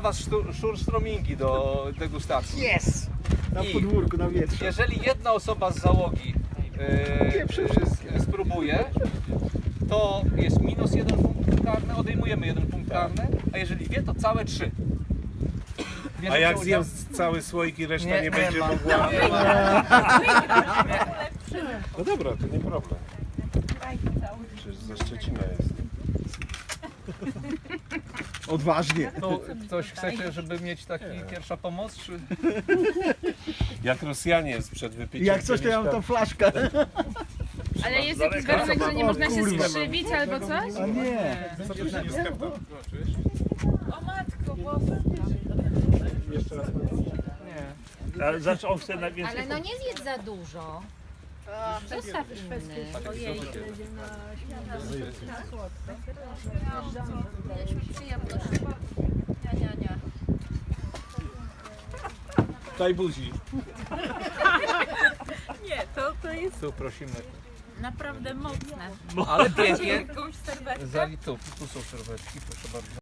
Was szurströmingi do degustacji. Jest! Na I podwórku, na wietrze. jeżeli jedna osoba z załogi spróbuje, to jest minus 1 punkt karny, odejmujemy 1 punkt karny, a jeżeli wie, to całe 3. A jak zjem cały słoik i reszta nie będzie ma. mogła... Nie ma. No dobra, to nie problem. Przecież ze Szczecina jest. Odważnie. To ktoś chcecie, żeby mieć taki pierwsza pomoc, czy... Jak Rosjanie sprzed wypiciem. Jak coś, to ja mam tą flaszkę. Ale jest jakiś warunek, że nie można się skrzywić albo coś? A nie. O matko, Boże. Nie. Ale zawsze on chce najwięcej. Ale no nie zjedz za dużo. Zostaw inny. Ojej. Przyjemność. Nie. Daj buzi. Nie, to jest Tu prosimy. naprawdę mocne. Ale pięknie. Jakąś serwetkę. Tu są serwetki, proszę bardzo.